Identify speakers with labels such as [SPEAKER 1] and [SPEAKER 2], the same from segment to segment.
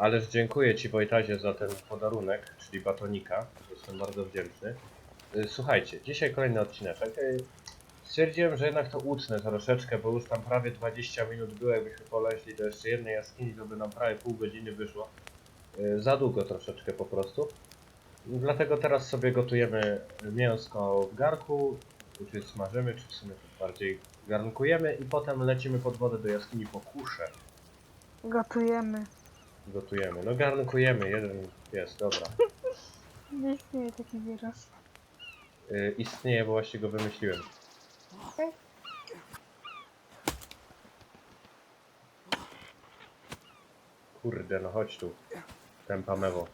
[SPEAKER 1] Ależ dziękuję Ci, Wojtazie, za ten podarunek, czyli batonika. Jestem bardzo wdzięczny. Słuchajcie, dzisiaj kolejny odcineczek. Stwierdziłem, że jednak to utnę troszeczkę, bo już tam prawie 20 minut było. Jakbyśmy poleźli do jeszcze jednej jaskini, to by nam prawie pół godziny wyszło. Za długo troszeczkę po prostu. Dlatego teraz sobie gotujemy mięsko w garku, czy smażymy, czy w sumie bardziej garnkujemy i potem lecimy pod wodę do jaskini po kuszę.
[SPEAKER 2] Gotujemy.
[SPEAKER 1] Gotujemy. No garnkujemy, jeden jest, dobra.
[SPEAKER 2] Nie istnieje taki wyraz.
[SPEAKER 1] Istnieje, bo właśnie go wymyśliłem. Kurde, no chodź tu. Tempa mewo.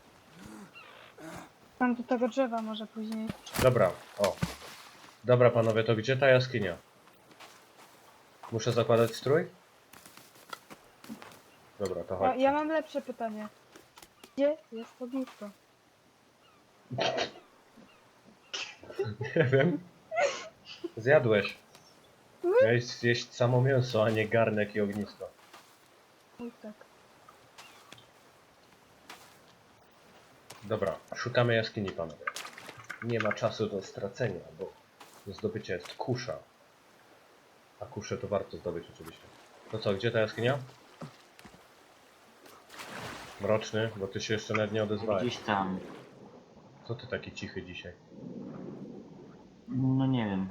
[SPEAKER 2] Tam do tego drzewa może później.
[SPEAKER 1] Dobra, o. Dobra panowie, to gdzie ta jaskinia? Muszę zakładać strój? Dobra, to chodź.
[SPEAKER 2] Ja mam lepsze pytanie. Gdzie jest ognisko?
[SPEAKER 1] Nie wiem. Zjadłeś. Miałeś zjeść samo mięso, a nie garnek i ognisko.
[SPEAKER 2] Oj tak.
[SPEAKER 1] Dobra, szukamy jaskini panowie. Nie ma czasu do stracenia, bo do zdobycia jest kusza. A kuszę to warto zdobyć oczywiście. To co, gdzie ta jaskinia? Mroczny, bo ty się jeszcze nawet nie odezwałeś.
[SPEAKER 3] Gdzieś tam.
[SPEAKER 1] Co ty taki cichy dzisiaj?
[SPEAKER 3] No nie wiem.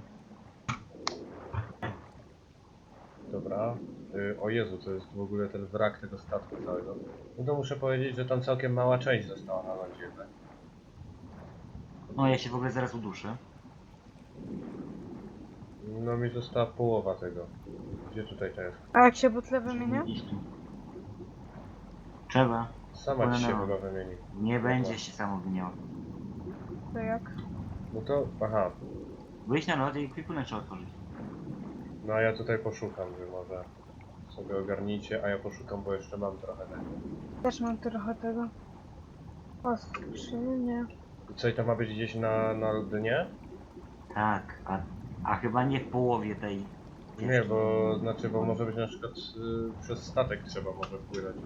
[SPEAKER 1] Dobra. O Jezu, to jest w ogóle ten wrak tego statku całego. No to muszę powiedzieć, że tam całkiem mała część została na lądzie jednak.
[SPEAKER 3] No ja się w ogóle zaraz uduszę.
[SPEAKER 1] No mi została połowa tego. Gdzie tutaj to jest?
[SPEAKER 2] A jak się butle wymienia?
[SPEAKER 3] Gdzieś tu. Trzeba.
[SPEAKER 1] Sama ci się
[SPEAKER 3] Płynęło.
[SPEAKER 1] chyba wymieni.
[SPEAKER 3] Nie będzie się samo wymieniało.
[SPEAKER 2] To jak?
[SPEAKER 1] No to, aha.
[SPEAKER 3] Wyjść na lody i kwipunek trzeba otworzyć.
[SPEAKER 1] No a ja tutaj poszukam, wy może sobie ogarnijcie, a ja poszukam, bo jeszcze mam trochę tego.
[SPEAKER 2] Też mam trochę tego. O, skrzynie.
[SPEAKER 1] I co, i to ma być gdzieś na dnie?
[SPEAKER 3] Tak, a chyba nie w połowie tej.
[SPEAKER 1] Nie, bo znaczy, bo może być na przykład przez statek trzeba może wpłynąć.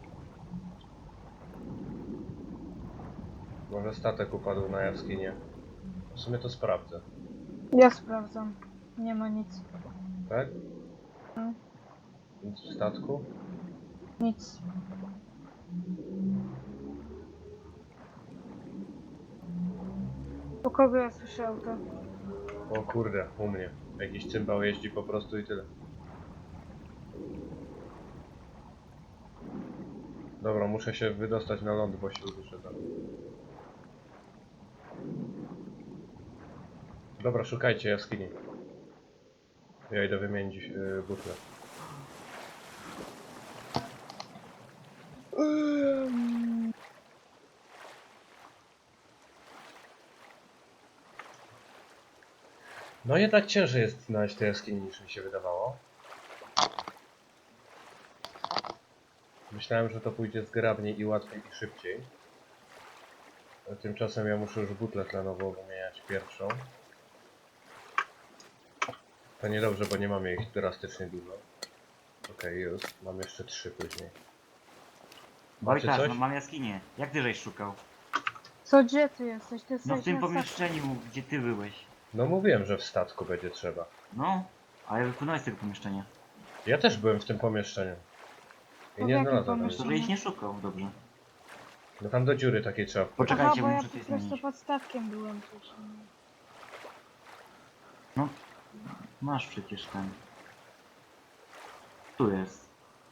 [SPEAKER 1] Może statek upadł na jaskinię. W sumie to sprawdzę.
[SPEAKER 2] Ja sprawdzam. Nie ma nic.
[SPEAKER 1] Tak?
[SPEAKER 2] No.
[SPEAKER 1] Nic w statku?
[SPEAKER 2] Nic. U kogo ja słyszę auto?
[SPEAKER 1] O kurde, u mnie. Jakiś cymbał jeździ po prostu i tyle. Dobra, muszę się wydostać na ląd, bo się uduszę tam. Dobra, szukajcie jaskini. Ja idę wymienić butlę. No jednak ciężej jest znaleźć te jaskini niż mi się wydawało. Myślałem, że to pójdzie zgrabniej i łatwiej i szybciej. A tymczasem ja muszę już butlę tlenową wymieniać pierwszą. To niedobrze, bo nie mamy ich drastycznie dużo. Okej, już. Mam jeszcze 3 później. Macie
[SPEAKER 3] Wojtas,
[SPEAKER 1] coś?
[SPEAKER 3] no mam jaskinię. Jak ty żeś szukał?
[SPEAKER 2] Co, gdzie ty jesteś? Ty
[SPEAKER 3] No
[SPEAKER 2] jesteś
[SPEAKER 3] w tym
[SPEAKER 2] na statku.
[SPEAKER 3] pomieszczeniu, gdzie ty byłeś.
[SPEAKER 1] No mówiłem, że w statku będzie trzeba.
[SPEAKER 3] No, ale wypłynąłeś z tego pomieszczenia.
[SPEAKER 1] Ja też byłem w tym pomieszczeniu. I
[SPEAKER 2] W
[SPEAKER 1] nie
[SPEAKER 2] jakim
[SPEAKER 1] znalazłem
[SPEAKER 3] To
[SPEAKER 2] pomieszczeniu?
[SPEAKER 1] nic.
[SPEAKER 3] żeś nie szukał, dobrze.
[SPEAKER 1] No tam do dziury takiej trzeba wpływać.
[SPEAKER 3] Poczekajcie,
[SPEAKER 2] Aha, bo
[SPEAKER 3] bo
[SPEAKER 2] ja
[SPEAKER 3] muszę
[SPEAKER 2] po
[SPEAKER 3] coś
[SPEAKER 2] prostu
[SPEAKER 3] zmienić.
[SPEAKER 2] pod statkiem byłem też.
[SPEAKER 3] No, masz przecież ten. Tu jest.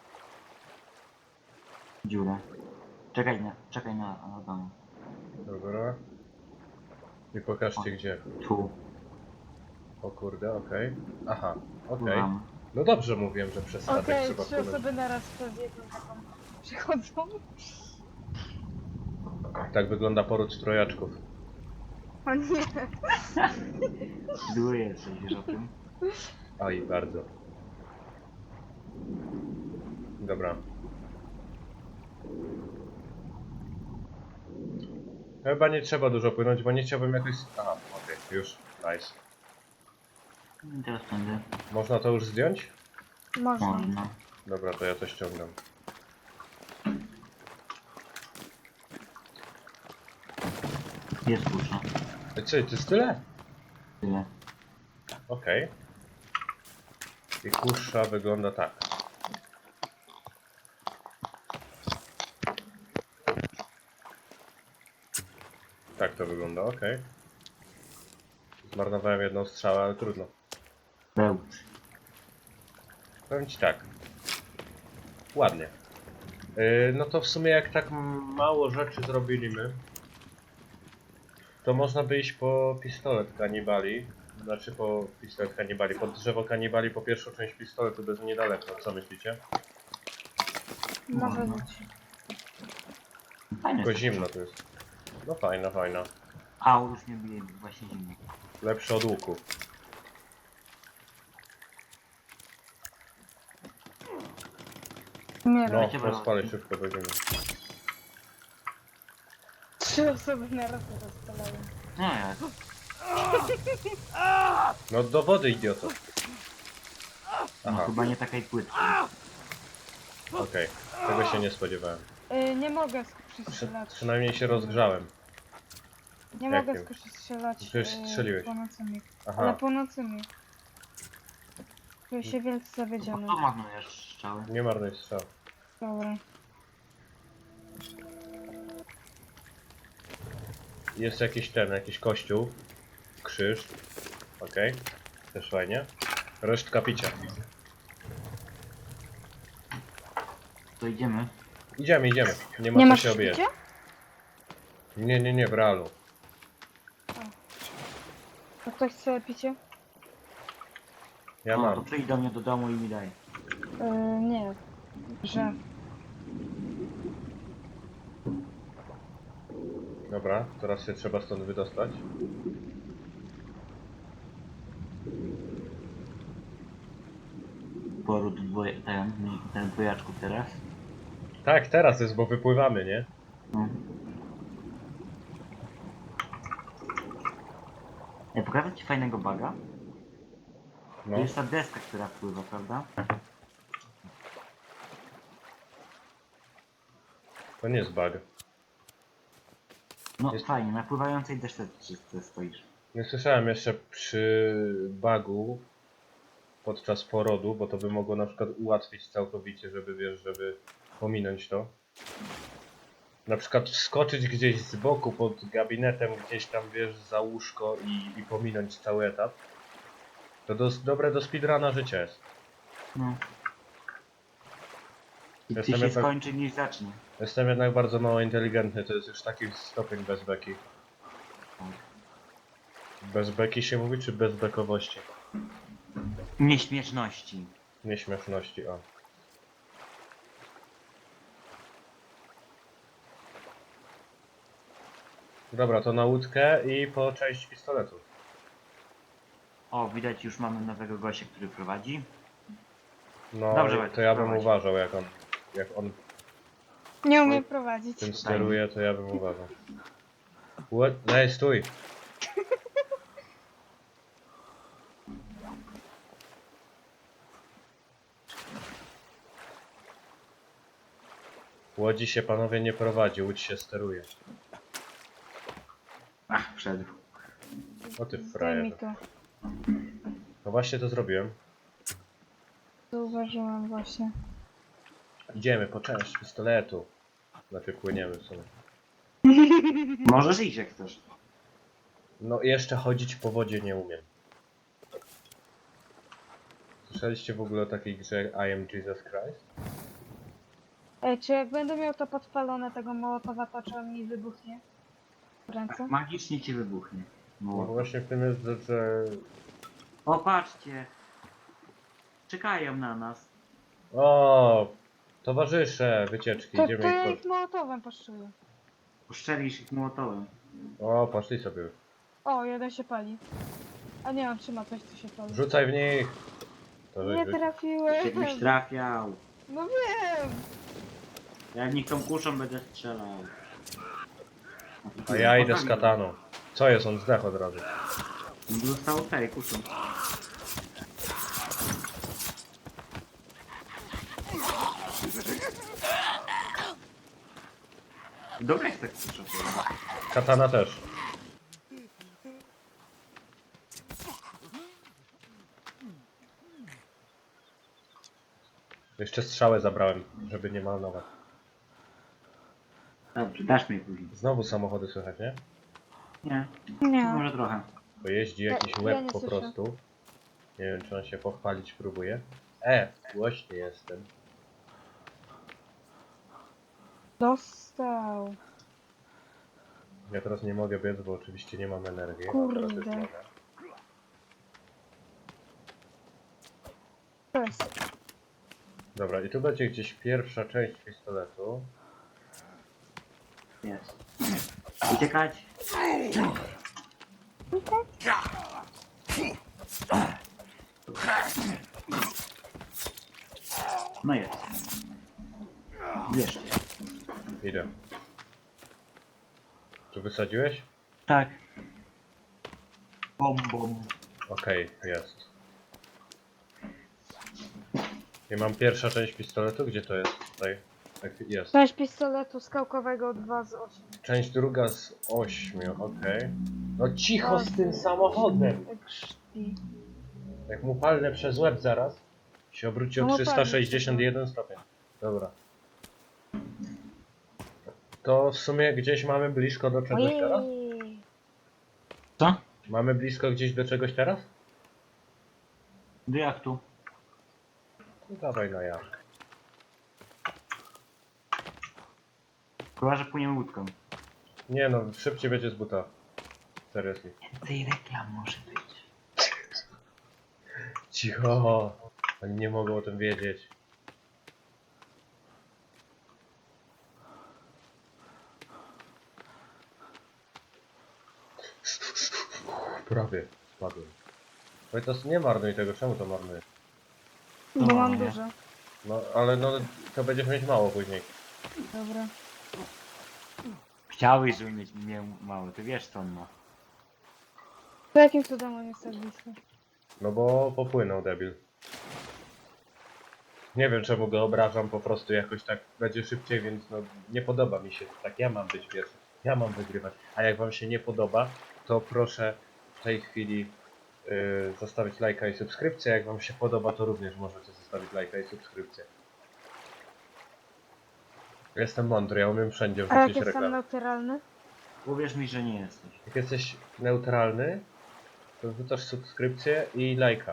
[SPEAKER 3] Dziura. Czekaj na dom.
[SPEAKER 1] Dobra. I pokażcie gdzie.
[SPEAKER 3] Tu.
[SPEAKER 1] O kurde, okej. Aha, okej.
[SPEAKER 3] Pływam.
[SPEAKER 1] No dobrze mówiłem, że przez statek
[SPEAKER 2] Okej,
[SPEAKER 1] trzeba
[SPEAKER 2] 3
[SPEAKER 1] wpłynąć.
[SPEAKER 2] osoby naraz przez jedną taką przychodzą.
[SPEAKER 1] Tak wygląda poród trojaczków.
[SPEAKER 2] O nie.
[SPEAKER 3] Zły jesteś, wiesz o tym?
[SPEAKER 1] Aj, bardzo. Dobra. Chyba nie trzeba dużo płynąć, bo nie chciałbym jakoś... Aha, okej, już. Nice.
[SPEAKER 3] I teraz będę.
[SPEAKER 1] Można to już zdjąć?
[SPEAKER 2] Można.
[SPEAKER 3] Można.
[SPEAKER 1] Dobra, to ja to ściągam.
[SPEAKER 3] Jest kusza.
[SPEAKER 1] Co, to jest tyle?
[SPEAKER 3] Tyle.
[SPEAKER 1] Okej. I kusza wygląda tak. Tak to wygląda, okej. Zmarnowałem jedną strzałę, ale trudno.
[SPEAKER 3] Bełcz.
[SPEAKER 1] Powiem ci tak. Ładnie. No to w sumie jak tak mało rzeczy zrobiliśmy, to można by iść po pistolet kanibali. Znaczy po pistolet kanibali, po drzewo kanibali, po pierwszą część pistoletu, bez niedaleko. Co myślicie?
[SPEAKER 2] Może
[SPEAKER 3] No.
[SPEAKER 2] być.
[SPEAKER 3] Fajne
[SPEAKER 1] Tylko
[SPEAKER 3] jest
[SPEAKER 1] zimno to jest. No fajna, fajna.
[SPEAKER 3] A, już nie bije, właśnie zimno.
[SPEAKER 1] Lepsze od łuku.
[SPEAKER 2] Nie
[SPEAKER 1] No,
[SPEAKER 2] wiem.
[SPEAKER 3] Wiecie,
[SPEAKER 1] rozpalę szybko, będziemy.
[SPEAKER 2] 3 osoby na raz rozpalają.
[SPEAKER 3] No jak?
[SPEAKER 1] No do wody, idioto.
[SPEAKER 3] No
[SPEAKER 1] Aha,
[SPEAKER 3] chyba nie takiej płytkiej.
[SPEAKER 1] okej. Tego się nie spodziewałem.
[SPEAKER 2] Nie mogę skuszyć strzelać.
[SPEAKER 1] Przynajmniej się rozgrzałem.
[SPEAKER 2] Nie
[SPEAKER 1] Jak
[SPEAKER 2] mogę
[SPEAKER 1] nie?
[SPEAKER 2] skuszyć strzelać.
[SPEAKER 1] Przecież strzeliłeś.
[SPEAKER 2] Północnymi. Ale
[SPEAKER 1] Aha,
[SPEAKER 2] północnymi. Czuję się wielce zawiedziony.
[SPEAKER 3] To marnujesz strzały.
[SPEAKER 1] nie marnuj strzał.
[SPEAKER 2] Dobra.
[SPEAKER 1] Jest jakiś kościół. Krzyż. Okej. Też fajnie. Resztka picia.
[SPEAKER 3] To idziemy.
[SPEAKER 1] Idziemy, idziemy. Nie ma
[SPEAKER 2] Nie
[SPEAKER 1] co
[SPEAKER 2] masz
[SPEAKER 1] się obijać.
[SPEAKER 2] picia?
[SPEAKER 1] Nie, w realu.
[SPEAKER 2] To ktoś chce picie?
[SPEAKER 1] Ja
[SPEAKER 3] No, to
[SPEAKER 1] mam.
[SPEAKER 3] przyjdź do mnie do domu i mi daj.
[SPEAKER 2] Nie. Że.
[SPEAKER 1] Dobra, teraz się trzeba stąd wydostać.
[SPEAKER 3] Poród ten dwojaczków teraz.
[SPEAKER 1] Tak, teraz jest, bo wypływamy, nie?
[SPEAKER 3] No. Ja pokażę ci fajnego baga.
[SPEAKER 1] No.
[SPEAKER 3] To jest ta deska, która wpływa, prawda?
[SPEAKER 1] To nie jest bug.
[SPEAKER 3] No
[SPEAKER 1] Jest-
[SPEAKER 3] fajnie, na pływającej desce stoisz.
[SPEAKER 1] Nie słyszałem jeszcze przy bugu podczas porodu, bo to by mogło na przykład ułatwić całkowicie, żeby wiesz, żeby pominąć to. Na przykład wskoczyć gdzieś z boku pod gabinetem, gdzieś tam wiesz, za łóżko i pominąć cały etap. To dobre do speedruna życia jest.
[SPEAKER 3] No. I ty
[SPEAKER 1] Jestem
[SPEAKER 3] się
[SPEAKER 1] jednak-
[SPEAKER 3] skończy niż zacznie.
[SPEAKER 1] Jestem jednak bardzo mało inteligentny, to jest już taki stopień bez beki. Bez beki się mówi, czy bez bekowości?
[SPEAKER 3] Nieśmieszności.
[SPEAKER 1] Nieśmieszności, o. Dobra, to na łódkę i po część pistoletu.
[SPEAKER 3] O, widać już mamy nowego gościa, który prowadzi.
[SPEAKER 1] No,
[SPEAKER 3] Dobrze,
[SPEAKER 1] to
[SPEAKER 3] Wojtek,
[SPEAKER 1] ja bym
[SPEAKER 3] prowadź.
[SPEAKER 1] uważał, jak on
[SPEAKER 2] Nie umiem prowadzić.
[SPEAKER 1] tym steruje, to ja bym uważał. What? Ej, stój! Łodzi się panowie nie prowadzi, łódź się steruje.
[SPEAKER 3] Ach, wszedł.
[SPEAKER 1] O ty
[SPEAKER 2] Zdejmij
[SPEAKER 1] frajerze.
[SPEAKER 2] to.
[SPEAKER 1] No właśnie to zrobiłem.
[SPEAKER 2] Zauważyłam właśnie.
[SPEAKER 1] Idziemy po część pistoletu. Znaczy płyniemy w sumie.
[SPEAKER 3] Możesz iść jak chcesz.
[SPEAKER 1] No jeszcze chodzić po wodzie nie umiem. Słyszeliście w ogóle o takiej grze I am Jesus Christ?
[SPEAKER 2] Ej, czy jak będę miał to podpalone tego mołotowa, to czy on mi wybuchnie? W ręce?
[SPEAKER 3] Magicznie ci wybuchnie.
[SPEAKER 1] No
[SPEAKER 3] No.
[SPEAKER 1] właśnie w tym jest, że...
[SPEAKER 3] O, patrzcie. Czekają na nas.
[SPEAKER 1] O, towarzysze wycieczki,
[SPEAKER 2] To
[SPEAKER 1] idziemy
[SPEAKER 2] ja
[SPEAKER 1] ich
[SPEAKER 2] ich mołotowem poszczuję.
[SPEAKER 3] Uszczelisz ich młotowym.
[SPEAKER 1] O, poszli sobie już.
[SPEAKER 2] O, jeden się pali. A nie, on trzyma coś, co się pali.
[SPEAKER 1] Rzucaj w nich! To
[SPEAKER 2] Nie
[SPEAKER 1] żeś
[SPEAKER 2] trafiłem.
[SPEAKER 3] Jakbyś trafiał.
[SPEAKER 2] No wiem.
[SPEAKER 3] Ja w nich tą kuszą będę strzelał.
[SPEAKER 1] A ja idę z kataną. Co jest, on zdech od razu.
[SPEAKER 3] Zostało tej kuszą. Dobra jest tak kusza.
[SPEAKER 1] Katana też. Jeszcze strzałę zabrałem, żeby nie marnować.
[SPEAKER 3] Dobrze, dasz mi później.
[SPEAKER 1] Znowu samochody słychać, nie?
[SPEAKER 3] Nie,
[SPEAKER 2] Nie.
[SPEAKER 3] może trochę.
[SPEAKER 1] Bo jeździ jakiś
[SPEAKER 2] Ja
[SPEAKER 1] łeb
[SPEAKER 2] nie
[SPEAKER 1] po
[SPEAKER 2] słyszę.
[SPEAKER 1] prostu. Nie wiem, czy on się pochwalić próbuje. Głośny jestem.
[SPEAKER 2] Dostał.
[SPEAKER 1] Ja teraz nie mogę biec, bo oczywiście nie mam energii. A
[SPEAKER 2] Kurde.
[SPEAKER 1] teraz już mogę.
[SPEAKER 2] To jest.
[SPEAKER 1] Dobra, i tu będzie gdzieś pierwsza część pistoletu.
[SPEAKER 3] Jest. Uciekać. No jest. Wiesz.
[SPEAKER 1] Idę. Tu wysadziłeś?
[SPEAKER 3] Tak. Bom, bom.
[SPEAKER 1] Okej, jest. I mam pierwsza część pistoletu. Gdzie to jest? Tutaj. Tak, jest.
[SPEAKER 2] Część pistoletu skałkowego 2 z 8.
[SPEAKER 1] Część druga z 8, okej. No cicho z tym samochodem!
[SPEAKER 2] Krzti.
[SPEAKER 1] Jak mu palnę przez łeb zaraz, się obróci o
[SPEAKER 2] No,
[SPEAKER 1] 361 stopień. Dobra. To w sumie gdzieś mamy blisko do czegoś teraz?
[SPEAKER 2] Ojej.
[SPEAKER 3] Co?
[SPEAKER 1] Mamy blisko gdzieś do czegoś teraz?
[SPEAKER 3] Do jachtu.
[SPEAKER 1] No dawaj na jak.
[SPEAKER 3] Chyba, że płyniemy łódką.
[SPEAKER 1] Nie no, szybciej będzie z buta. Seriously.
[SPEAKER 3] Więcej reklam może być.
[SPEAKER 1] Cicho! Oni nie mogą o tym wiedzieć. Prawie spadłem. Wojtas, nie marnuj tego, czemu to marnujesz?
[SPEAKER 2] Bo
[SPEAKER 3] No,
[SPEAKER 2] mam
[SPEAKER 3] nie.
[SPEAKER 2] dużo.
[SPEAKER 1] No, ale no, to będziesz mieć mało później.
[SPEAKER 2] Dobra.
[SPEAKER 3] Chciałeś, żeby miał mało. Ty wiesz co on ma.
[SPEAKER 2] To jakim cudem on jest tak blisko?
[SPEAKER 1] No bo popłynął debil. Nie wiem czemu go obrażam, po prostu jakoś tak będzie szybciej, więc no nie podoba mi się. Tak ja mam być pierwszy. Ja mam wygrywać. A jak wam się nie podoba, to proszę w tej chwili zostawić lajka i subskrypcję. Jak wam się podoba, to również możecie zostawić lajka i subskrypcję. Jestem mądry, ja umiem wszędzie
[SPEAKER 2] A jak
[SPEAKER 1] wrzucić
[SPEAKER 2] jestem
[SPEAKER 1] reklamę.
[SPEAKER 2] neutralny?
[SPEAKER 3] Uwierz mi, że nie jesteś.
[SPEAKER 1] Jak jesteś neutralny, to wrzucasz subskrypcję i lajka.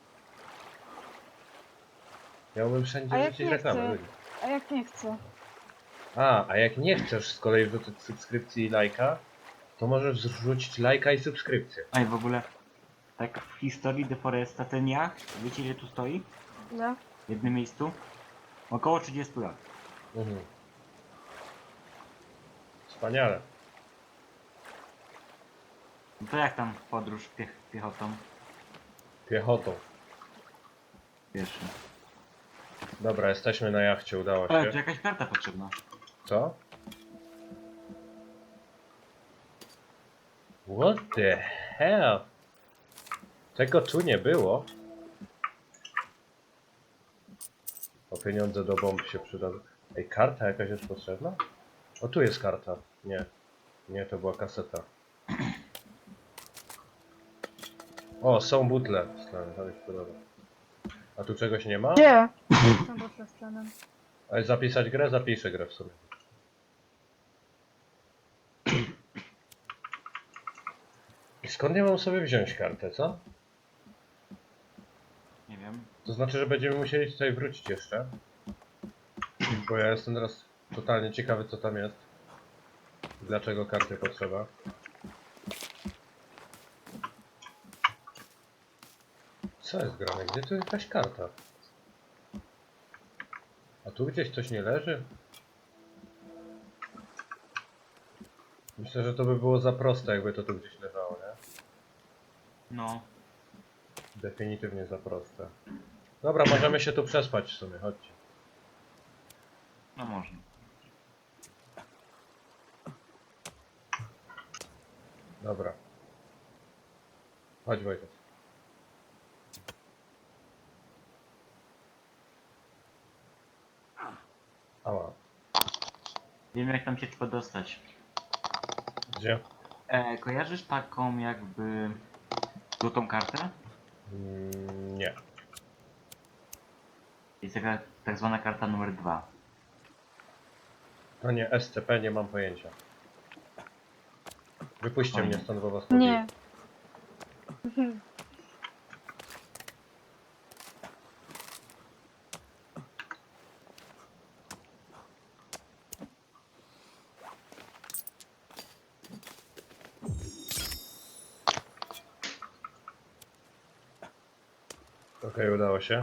[SPEAKER 1] Ja umiem wszędzie
[SPEAKER 2] A jak
[SPEAKER 1] wrzucić
[SPEAKER 2] nie
[SPEAKER 1] reklamę.
[SPEAKER 2] chcę?
[SPEAKER 1] Ludzie.
[SPEAKER 2] A jak nie chcę?
[SPEAKER 1] A jak nie chcesz z kolei wrzucić subskrypcji i lajka, to możesz zrzucić lajka i subskrypcję.
[SPEAKER 3] A i w ogóle, tak w historii Deforesta ten jacht, wiecie ile tu stoi?
[SPEAKER 2] Ile?
[SPEAKER 3] W jednym miejscu? Około 30 lat.
[SPEAKER 1] Mhm. Wspaniale.
[SPEAKER 3] No to jak tam podróż piechotą?
[SPEAKER 1] Piechotą.
[SPEAKER 3] Pierwszy.
[SPEAKER 1] Dobra, jesteśmy na jachcie, udało
[SPEAKER 3] Ale tu
[SPEAKER 1] się.
[SPEAKER 3] jakaś karta potrzebna.
[SPEAKER 1] Co? What the hell? Tego tu nie było. O pieniądze do bomb się przydadzą. Ej, karta jakaś jest potrzebna? O, tu jest karta. Nie. Nie, to była kaseta. O, są butle. Stary, to mi się podoba. A tu czegoś nie ma?
[SPEAKER 2] Gdzie? Jestem pod stanem.
[SPEAKER 1] Ale zapisać grę? Zapiszę grę w sumie. I skąd ja mam sobie wziąć kartę, co?
[SPEAKER 3] Nie wiem.
[SPEAKER 1] To znaczy, że będziemy musieli tutaj wrócić jeszcze. Bo ja jestem teraz totalnie ciekawy, co tam jest. Dlaczego karty potrzeba. Co jest grane? Gdzie tu jest jakaś karta? A tu gdzieś coś nie leży? Myślę, że to by było za proste, jakby to tu gdzieś leżało, nie?
[SPEAKER 3] No.
[SPEAKER 1] Definitywnie za proste. Dobra, możemy się tu przespać w sumie, chodźcie.
[SPEAKER 3] No można.
[SPEAKER 1] Dobra. Chodź Wojtek. Ała.
[SPEAKER 3] Wiem jak tam się trzeba dostać.
[SPEAKER 1] Gdzie?
[SPEAKER 3] Kojarzysz taką jakby złotą kartę?
[SPEAKER 1] Nie.
[SPEAKER 3] Jest taka tak zwana karta numer 2.
[SPEAKER 1] To nie SCP, nie mam pojęcia. Wypuśćcie
[SPEAKER 3] Fajnie.
[SPEAKER 1] mnie stąd, bo was pobiję.
[SPEAKER 2] Nie.
[SPEAKER 1] Okej, udało się.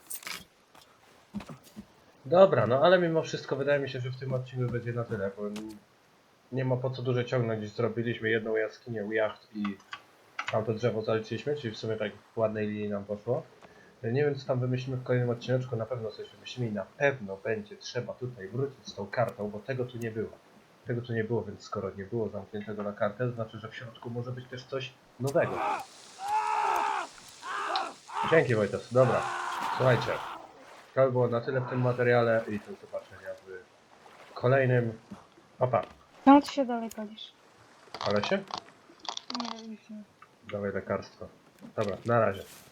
[SPEAKER 1] Dobra, no ale mimo wszystko wydaje mi się, że w tym odcinku będzie na tyle, bo nie ma po co dużo ciągnąć. Zrobiliśmy jedną jaskinię u jacht i tamto drzewo zaliczyliśmy, czyli w sumie tak w ładnej linii nam poszło. Nie wiem, co tam wymyślimy w kolejnym odcineczku, na pewno coś wymyślimy i na pewno będzie trzeba tutaj wrócić z tą kartą, bo tego tu nie było. Tego tu nie było, więc skoro nie było zamkniętego na kartę, to znaczy, że w środku może być też coś nowego. Dzięki Wojtas, dobra. Słuchajcie, to by było na tyle w tym materiale i do zobaczenia w kolejnym. Opa,
[SPEAKER 2] Czemu ty się dalej palisz?
[SPEAKER 1] ale się?
[SPEAKER 2] Nie wiem, już nie.
[SPEAKER 1] Dawaj lekarstwo. Dobra, na razie.